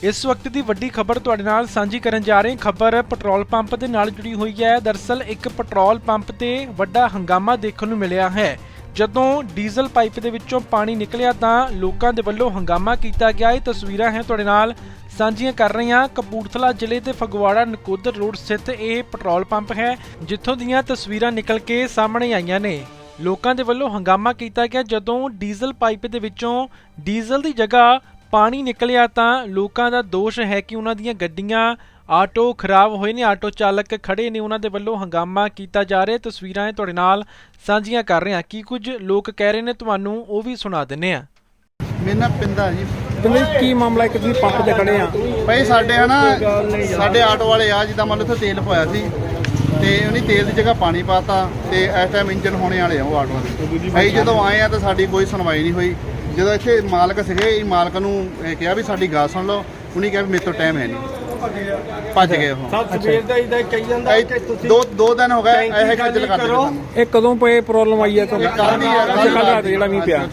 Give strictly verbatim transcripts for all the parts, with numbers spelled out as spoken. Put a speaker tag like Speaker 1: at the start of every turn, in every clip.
Speaker 1: इस वक्त की वड्डी खबर तुहाडे नाल सांझी करन जा रहे। खबर पेट्रोल पंप के नाल जुड़ी हुई है। दरअसल एक पेट्रोल पंप ते वड्डा हंगामा देखने को मिलिया है। जदों डीजल पाइप दे विचों पानी निकलिया तां लोकां दे वल्लों हंगामा कीता गया। ये तस्वीरां हैं तुहाडे नाल सांझियां कर रहे हैं। कपूरथला जिले के फगवाड़ा नकोदर रोड स्थित यह पेट्रोल पंप है, जिथों दीयां तस्वीरां निकल के सामने आईयां ने। लोकां दे वल्लों हंगामा कीता गया जदों डीजल पाइप दे विचों डीजल की जगह पानी निकलिया तां लोकां दा दोष है कि उन्हां दीयां गड्डियां आटो खराब होए ने, आटो चालक खड़े ने, उन्हां दे वल्लों हंगामा कीता जा रहा। तस्वीरां तुहाडे नाल सांझियां कर रहे हैं। की कुछ लोग कह रहे ने तुहानूं ओह भी सुना दिंदे आ।
Speaker 2: मेरा नाम पिंदा जी।
Speaker 3: तुम्हें की मामला है कि तुसीं पंप ते खड़े आ?
Speaker 2: भाई साडे है ना साडे आटो वाले आ जिद्दां मतलब इत्थे तेल पवाया सी ते उन्हें तेल की जगह पानी पाता ते इस टाइम इंजन होने वाले आ वो आटो दे। भाई जदों आए आ तो साडी कोई सुनवाई नहीं हुई। ਜਦੋਂ ਇੱਥੇ ਮਾਲਕ ਸੀਗੇ ਮਾਲਕ ਨੂੰ ਕਿਹਾ ਵੀ ਸਾਡੀ ਗੱਲ ਸੁਣ ਲਓ, ਉਹਨੇ ਕਿਹਾ ਵੀ ਮੇਰੇ ਤੋਂ ਟਾਈਮ ਹੈ ਨਹੀਂ, ਭੱਜ ਗਏ ਉਹ।
Speaker 3: ਸਵੇਰ ਦਾ ਇਦਾਂ ਕਹੀ ਜਾਂਦਾ ਕਿ ਤੁਸੀਂ
Speaker 2: ਦੋ ਦੋ ਦਿਨ ਹੋ ਗਏ ਇਹ ਖੱਜਲ ਕਰਦੇ ਸਾਨੂੰ।
Speaker 3: ਇਹ ਕਦੋਂ ਪਏ ਪ੍ਰੋਬਲਮ ਆਈ ਹੈ ਤੁਹਾਨੂੰ?
Speaker 2: ਕੱਲ ਦੀ ਹੈ,
Speaker 3: ਕੱਲ ਰਾਤ ਜਿਹੜਾ ਮੀਂਹ ਪਿਆ।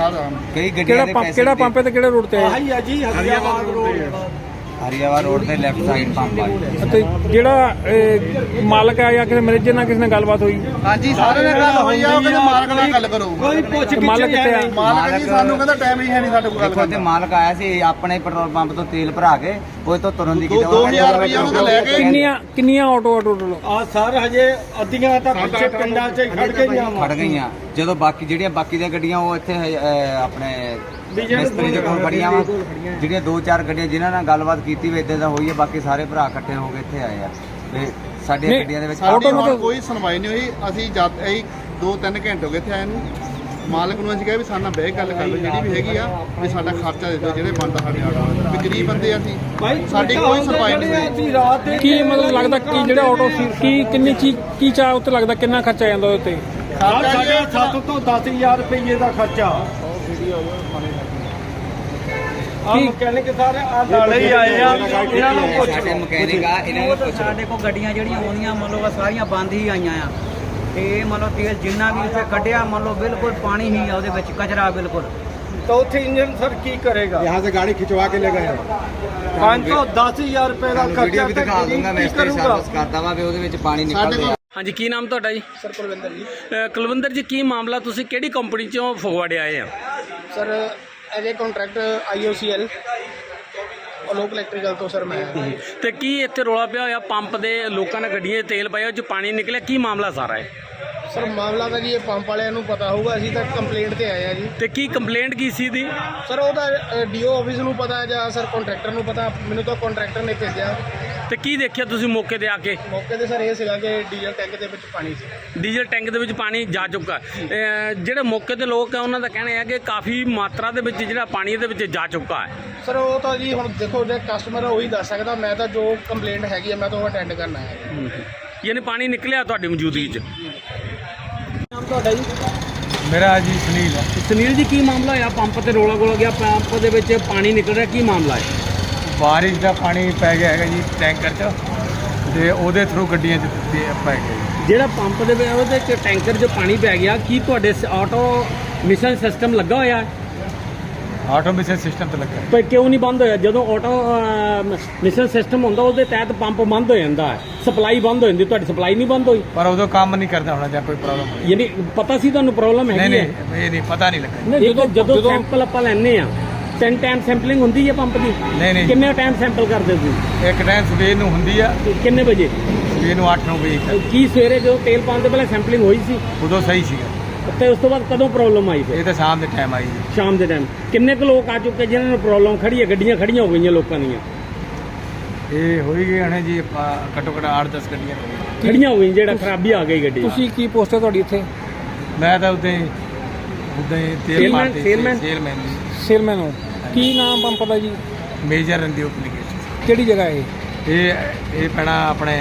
Speaker 4: ਕਈ ਗੱਡੀਆਂ
Speaker 3: ਕਿਹੜਾ
Speaker 4: ਦੇ
Speaker 3: ਪੰਪ ਕਿਹੜਾ ਪੰਪ ਹੈ ਤੇ ਕਿਹੜੇ ਰੋਡ ਤੇ ਹੈ?
Speaker 4: ਆਹੀ ਹੈ ਜੀ ਹਰੀਆਵਾਲ ਰੋਡ ਹਰੀਆਵਾਲ ਰੋਡ ਤੇ ਲੈਫਟ ਸਾਈਡ ਪੰਪ ਆ ਜੀ।
Speaker 3: ਤੇ ਜਿਹੜਾ ਇਹ ਮਾਲਕ ਆ ਜਾਂ ਕਿਸੇ ਮੈਨੇਜਰ ਨਾਲ ਕਿਸੇ ਨਾਲ ਗੱਲਬਾਤ ਹੋਈ?
Speaker 2: ਹਾਂਜੀ ਸਾਰੇ ਨਾਲ ਗੱਲ ਹੋਈ ਆ। ਉਹ ਕਹਿੰਦੇ ਮਾਲਕ ਨਾਲ ਗੱਲ ਕਰੋ।
Speaker 4: ਕੋਈ ਪੁੱਛ
Speaker 3: ਮਾਲਕ ਕਿੱਥੇ ਆ?
Speaker 2: ਮਾਲਕ ਜੀ ਸਾਨੂੰ ਕਹਿੰਦਾ ਟਾਈਮ ਹੀ ਹੈ ਨਹੀਂ ਸਾਡੇ ਕੋਲ ਗੱਲ
Speaker 4: ਦੇਖੋ ਤੇ
Speaker 2: ਕਰਨ
Speaker 4: ਮਾਲਕ ਆਇਆ ਸੀ ਆਪਣੇ ਪੈਟਰੋਲ ਪੰਪ ਤੋਂ ਤੇਲ ਭਰਾ ਕੇ ਉਹ ਤੋਂ ਤੁਰਨ ਦੀ
Speaker 2: ਦਾ। ਦੋ ਹਜ਼ਾਰ ਰੁਪਏ ਉਹਨਾਂ ਤੋਂ ਲੈ ਕੇ
Speaker 3: ਕਿੰਨੀਆਂ ਕਿੰਨੀਆਂ ਆਟੋ ਟੋਟਲ?
Speaker 5: ਆ ਸਰ ਹਜੇ ਅੱਧੀਆਂ ਤਾਂ ਪਿੱਛੇ ਪਿੰਡਾਂ 'ਚ ਖੜ ਗਈਆਂ ਵਾ।
Speaker 4: ਖੜ ਗਈਆਂ। ਜਦੋਂ ਬਾਕੀ ਜਿਹੜੀਆਂ ਬਾਕੀ ਦੀਆਂ ਗੱਡੀਆਂ ਉਹ ਇੱਥੇ ਅਹ, ਆਪਣੇ ਮਿਸਤਰੀ ਦੇ ਕੋਲ ਖੜੀਆਂ ਵਾ। ਜਿਹੜੀਆਂ ਦੋ ਚਾਰ ਗੱਡੀਆਂ ਜਿਨ੍ਹਾਂ ਨਾਲ ਗੱਲਬਾਤ ਕੀਤੀ ਵੀ ਇਦਾਂ ਦਾ ਹੋਈ ਹੈ, ਬਾਕੀ ਸਾਰੇ ਭਰਾ ਇਕੱਠੇ ਹੋ ਕੇ ਇੱਥੇ ਆਏ ਆ ਤੇ ਸਾਡੀਆਂ ਗੱਡੀਆਂ ਦੇ ਵਿੱਚ
Speaker 2: ਸਾਡੀ ਹੁਣ ਕੋਈ ਸੁਣਵਾਈ ਨਹੀਂ ਹੋਈ। ਅਸੀਂ ਜਦ ਅਸੀਂ ਦੋ ਤਿੰਨ ਘੰਟੇ ਹੋ ਗਏ ਇੱਥੇ ਆਏ ਨੂੰ। ਮਾਲਕ ਨੂੰ ਅਸੀਂ ਕਿਹਾ ਵੀ ਸਾਡੇ ਨਾਲ ਬਹਿ ਕੇ ਗੱਲ ਕਰ ਲਓ ਜਿਹੜੀ ਵੀ ਹੈਗੀ ਆ, ਵੀ ਸਾਡਾ ਖਰਚਾ ਦੇ ਦਿਓ ਜਿਹੜੇ ਬਣਦਾ ਸਾਡੇ ਆਟੋ। ਵੀ ਗਰੀਬ ਬੰਦੇ ਆ ਅਸੀਂ, ਸਾਡੀ ਕੋਈ ਸੁਣਵਾਈ ਨਹੀਂ ਹੋਈ।
Speaker 5: ਰਾਤ ਦੇ
Speaker 3: ਕੀ ਮਤਲਬ ਲੱਗਦਾ ਕਿ ਜਿਹੜਾ ਆਟੋ ਸੀ ਕੀ ਕਿੰਨੀ ਚੀਜ਼ ਕੀ ਚਾਹ ਉੱਤੇ ਲੱਗਦਾ ਕਿੰਨਾ ਖਰਚਾ ਜਾਂਦਾ ਉਹਦੇ ਉੱਤੇ?
Speaker 5: ਸਾਡੇ ਸੱਤ ਤੋਂ ਦਸ ਹਜ਼ਾਰ ਰੁਪਏ ਦਾ ਖਰਚਾ। ਆ ਮਕੈਨਿਕ ਸਾਰੇ ਆ ਨਾਲੇ ਹੀ ਆਏ ਆ, ਇਹਨਾਂ ਨੂੰ ਪੁੱਛ
Speaker 4: ਸਾਡੇ ਮਕੈਨਿਕ ਆ, ਇਹਨਾਂ ਨੂੰ ਪੁੱਛ
Speaker 6: ਸਾਡੇ ਕੋਲ ਗੱਡੀਆਂ ਜਿਹੜੀਆਂ ਆਉਂਦੀਆਂ ਮੰਨ ਲਓ ਸਾਰੀਆਂ ਬੰਦ ਹੀ ਆਈਆਂ ਆ ਤੇ ਮੰਨ ਲਓ ਤੇਲ ਜਿੰਨਾ ਵੀ ਇੱਥੇ ਕੱਢਿਆ ਮੰਨ ਲਓ ਬਿਲਕੁਲ ਪਾਣੀ ਹੀ ਆ ਉਹਦੇ ਵਿੱਚ, ਕਚਰਾ ਬਿਲकुल।
Speaker 5: ਤਾਂ ਉੱਥੇ ਇੰਜਨ ਸਰ ਕੀ ਕਰੇਗਾ?
Speaker 2: यहाँ से गाड़ी खिंचवा के ले गए।
Speaker 5: ਪੰਜ ਤੋਂ ਦਸ ਹਜ਼ਾਰ ਰੁਪਏ ਦਾ ਖਰਚਾ
Speaker 4: ਵੀਡੀਓ ਵੀ ਦਿਖਾ ਦੂੰਗਾ ਮੈਂ, ਇਸ ਤੇ ਸਰਵਿਸ ਕਰਦਾ ਵਾ ਵੀ ਉਹਦੇ ਵਿੱਚ ਪਾਣੀ ਨਿਕਲਦਾ।
Speaker 7: ਹਾਂਜੀ, ਕੀ ਨਾਮ ਤੁਹਾਡਾ ਜੀ?
Speaker 2: ਸਰ ਕੁਲਵਿੰਦਰ ਜੀ।
Speaker 7: ਅ, ਕੁਲਵਿੰਦਰ ਜੀ, ਕੀ ਮਾਮਲਾ? ਤੁਸੀਂ ਕਿਹੜੀ ਕੰਪਨੀ ਚੋਂ ਫਗਵਾੜੇ ਆਏ ਆ?
Speaker 8: Sir as a contract I O C L Alok electrical ਤੋਂ ਸਰ ਮੈਂ।
Speaker 7: ਤੇ ਕੀ ਇੱਥੇ ਰੌਲਾ ਪਿਆ ਹੋਇਆ ਪੰਪ ਦੇ? ਲੋਕਾਂ ਨੇ ਗੱਡੀਆਂ 'ਚ ਤੇਲ ਪਾਇਆ, ਉਹ 'ਚ ਪਾਣੀ ਨਿਕਲਿਆ, ਕੀ ਮਾਮਲਾ ਸਾਰਾ ਹੈ?
Speaker 8: ਸਰ ਮਾਮਲਾ ਤਾਂ ਜੀ ਇਹ ਪੰਪ ਵਾਲਿਆਂ ਨੂੰ ਪਤਾ ਹੋਊਗਾ, ਅਸੀਂ ਤਾਂ ਕੰਪਲੇਂਟ ਤੇ ਆਏ ਆ ਜੀ।
Speaker 7: ਤੇ ਕੀ ਕੰਪਲੇਂਟ ਕੀ ਸੀ ਦੀ?
Speaker 8: ਸਰ ਉਹਦਾ ਡੀਓ ਆਫਿਸ ਨੂੰ ਪਤਾ ਜਾਂ ਸਰ ਕੰਟਰੈਕਟਰ ਨੂੰ ਪਤਾ, ਮੈਨੂੰ ਤਾਂ ਕੰਟਰੈਕਟਰ ਨੇ ਭੇਜਿਆ।
Speaker 7: ਤੇ ਕੀ ਦੇਖਿਆ ਤੁਸੀਂ ਮੌਕੇ ਤੇ ਆ ਕੇ?
Speaker 8: ਮੌਕੇ ਤੇ ਸਰ ਇਹ ਸੀਗਾ ਕਿ ਡੀਜ਼ਲ ਟੈਂਕ ਦੇ ਵਿੱਚ ਪਾਣੀ ਸੀ।
Speaker 7: ਡੀਜ਼ਲ ਟੈਂਕ ਦੇ ਵਿੱਚ ਪਾਣੀ ਜਾ ਚੁੱਕਾ। ਅ, ਜਿਹੜੇ ਮੌਕੇ ਤੇ ਲੋਕ ਆ ਉਹਨਾਂ ਦਾ ਕਹਿਣਾ ਹੈ ਕਿ ਕਾਫੀ ਮਾਤਰਾ ਦੇ ਵਿੱਚ ਜਿਹੜਾ ਪਾਣੀ ਇਹਦੇ ਵਿੱਚ ਜਾ ਚੁੱਕਾ ਹੈ।
Speaker 8: ਸਰ ਉਹ ਤਾਂ ਜੀ ਹੁਣ ਦੇਖੋ ਜੇ ਕਸਟਮਰ ਉਹੀ ਦੱਸ ਸਕਦਾ, ਮੈਂ ਤਾਂ ਜੋ ਕੰਪਲੇਂਟ ਹੈਗੀ ਆ ਮੈਂ ਤਾਂ ਉਹ ਅਟੈਂਡ ਕਰਨਾ ਹੈ।
Speaker 7: ਯਾਨੀ ਪਾਣੀ ਨਿਕਲਿਆ ਤੁਹਾਡੀ ਮੌਜੂਦਗੀ 'ਚ?
Speaker 8: ਨਾਮ ਤੁਹਾਡਾ ਜੀ?
Speaker 3: ਮੇਰਾ ਜੀ ਸੁਨੀਲ ਹੈ।
Speaker 7: ਸੁਨੀਲ ਜੀ, ਕੀ ਮਾਮਲਾ ਹੋਇਆ? ਪੰਪ ਤੇ ਰੌਲਾ ਗੋਲਾ ਗਿਆ, ਪੰਪ ਦੇ ਵਿੱਚ ਪਾਣੀ ਨਿਕਲ ਰਿਹਾ, ਕੀ ਮਾਮਲਾ ਹੈ?
Speaker 3: ਬਾਰਿਸ਼ ਦਾ ਪਾਣੀ ਪੈ ਗਿਆ ਹੈਗਾ ਜੀ ਟੈਂਕਰ 'ਚ ਤੇ ਉਹਦੇ ਥਰੂ ਗੱਡੀਆਂ 'ਚ ਤੇ ਪੈ ਗਿਆ ਜੀ।
Speaker 7: ਜਿਹੜਾ ਪੰਪ ਦੇ ਵਿੱਚ ਉਹਦੇ 'ਚ ਟੈਂਕਰ 'ਚ ਪਾਣੀ ਪੈ ਗਿਆ, ਕੀ ਤੁਹਾਡੇ ਆਟੋ ਮਿਸ਼ਨ ਸਿਸਟਮ ਲੱਗਾ ਹੋਇਆ ਹੈ?
Speaker 3: ਆਟੋਮੇਸ਼ਨ ਸਿਸਟਮ ਤੇ ਲੱਗਾ।
Speaker 7: ਪਰ ਕਿਉਂ ਨਹੀਂ ਬੰਦ ਹੋਇਆ? ਜਦੋਂ ਆਟੋ ਮਿਸ਼ਨ ਸਿਸਟਮ ਹੁੰਦਾ ਉਹਦੇ ਤਹਿਤ ਪੰਪ ਬੰਦ ਹੋ ਜਾਂਦਾ ਹੈ, ਸਪਲਾਈ ਬੰਦ ਹੋ ਜਾਂਦੀ। ਤੁਹਾਡੀ ਸਪਲਾਈ ਨਹੀਂ ਬੰਦ ਹੋਈ?
Speaker 3: ਪਰ ਉਦੋਂ ਕੰਮ ਨਹੀਂ ਕਰਦਾ ਹੋਣਾ ਜਾਂ ਕੋਈ ਪ੍ਰੋਬਲਮ?
Speaker 7: ਯਾਨੀ ਪਤਾ ਸੀ ਤੁਹਾਨੂੰ ਪ੍ਰੋਬਲਮ
Speaker 3: ਨਹੀਂ
Speaker 7: ਹੈਗੀ ਹੈ?
Speaker 3: ਨਹੀਂ ਇਹ ਨਹੀਂ ਪਤਾ ਨਹੀਂ ਲੱਗਾ।
Speaker 7: ਜਦੋਂ ਜਦੋਂ ਸੈਂਪਲ ਆਪਾਂ ਲੈਣੇ ਆ ਤਿੰਨ ਟਾਈਮ ਸੈਂਪਲਿੰਗ ਹੁੰਦੀ ਹੈ ਪੰਪ ਦੀ?
Speaker 3: ਨਹੀਂ ਨਹੀਂ
Speaker 7: ਕਿੰਨੇ ਟਾਈਮ ਸੈਂਪਲ ਕਰਦੇ ਤੁਸੀਂ?
Speaker 3: ਇੱਕ ਟਾਈਮ ਸਵੇਰ ਨੂੰ ਹੁੰਦੀ ਆ,
Speaker 7: ਤੇ ਕਿੰਨੇ ਵਜੇ?
Speaker 3: ਸਵੇਰ ਨੂੰ ਅੱਠ ਨੌ ਵਜੇ।
Speaker 7: ਕੀ ਸਵੇਰੇ ਜਦੋਂ ਤੇਲ ਪਾਉਣ ਤੋਂ ਪਹਿਲਾਂ ਸੈਂਪਲਿੰਗ ਹੋਈ ਸੀ?
Speaker 3: ਉਦੋਂ ਸਹੀ ਸੀਗਾ।
Speaker 7: ਤੇ ਉਸ ਤੋਂ ਬਾਅਦ ਕਦੋਂ ਪ੍ਰੋਬਲਮ ਆਈ ਫਿਰ?
Speaker 3: ਇਹ ਤਾਂ ਸ਼ਾਮ ਦੇ ਟਾਈਮ ਆਈ ਜੀ।
Speaker 7: ਸ਼ਾਮ ਦੇ ਟਾਈਮ ਕਿੰਨੇ ਕੁ ਲੋਕ ਆ ਚੁੱਕੇ ਜਿਨ੍ਹਾਂ ਨੂੰ ਪ੍ਰੋਬਲਮ ਖੜੀ ਹੈ? ਗੱਡੀਆਂ ਖੜੀਆਂ ਹੋ ਗਈਆਂ ਲੋਕਾਂ ਦੀਆਂ?
Speaker 3: ਇਹ ਹੋਈ ਗਏ ਹਣੇ ਜੀ ਆਪਾਂ ਘੱਟੋ ਘੱਟ ਅੱਠ ਦਸ ਗੱਡੀਆਂ
Speaker 7: ਖੜੀਆਂ ਹੋ ਗਈਆਂ, ਜਿਹੜਾ ਖਰਾਬੀ ਆ ਗਈ ਗੱਡੀ।
Speaker 3: ਤੁਸੀਂ ਕੀ ਪੋਸਟ ਹੈ ਤੁਹਾਡੀ ਇੱਥੇ? ਮੈਂ ਤਾਂ ਉਦਾਂ ਹੀ ਉਦਾਂ ਹੀ ਤੇਲ
Speaker 7: Salesman-
Speaker 3: ਮਾਰਦੇ
Speaker 7: salesman?
Speaker 3: ਸੇਲਮੈਨ ਜੀ। ਸੇਲਮੈਨ ਹੋ। ਕੀ ਨਾਮ ਪੰਪ ਦਾ ਜੀ?
Speaker 2: ਮੇਜਰ ਰੰਦੀ ਐਪਲੀਕੇਸ਼ਨ।
Speaker 3: ਕਿਹੜੀ ਜਗ੍ਹਾ ਇਹ?
Speaker 2: ਇਹ ਇਹ ਪੈਣਾ ਆਪਣੇ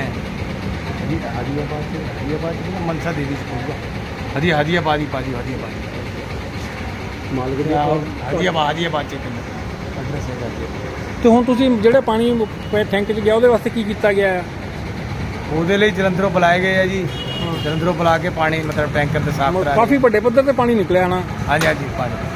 Speaker 2: ਹਦੀਆਬਾਦ ਤੇ ਹਦੀਆਬਾਦ ਤੇ ਮਨਸਾ ਦੇਵੀ ਸਕੂਲ ਹਦੀ ਹਦੀਆਬਾਦ ਹੀ ਪਾਜੀ ਹਦੀਆਬਾਦ ਮਾਲਕ ਦੇ ਹਦੀਆਬਾਦ ਹਦੀਆਬਾਦ ਚ ਕਿੰਨਾ ਐਡਰੈਸ ਹੈਗਾ ਜੀ।
Speaker 3: ਤੇ ਹੁਣ ਤੁਸੀਂ ਜਿਹੜੇ ਪਾਣੀ ਟੈਂਕ 'ਚ ਗਿਆ ਉਹਦੇ ਵਾਸਤੇ ਕੀ ਕੀਤਾ ਗਿਆ ਹੈ?
Speaker 2: ਉਹਦੇ ਲਈ ਜਲੰਧਰੋਂ ਬੁਲਾਏ ਗਏ ਆ ਜੀ। ਜਲੰਧਰੋਂ ਬੁਲਾ ਕੇ ਪਾਣੀ ਮਤਲਬ ਟੈਂਕਰ ਤੇ ਸਾਫ਼ ਕਰਾ
Speaker 3: ਕਾਫੀ ਵੱਡੇ ਪੱਧਰ ਤੇ ਪਾਣੀ ਨਿਕਲਿਆ ਨਾ।
Speaker 2: ਹਾਂਜੀ ਹਾਂਜੀ ਪਾਣੀ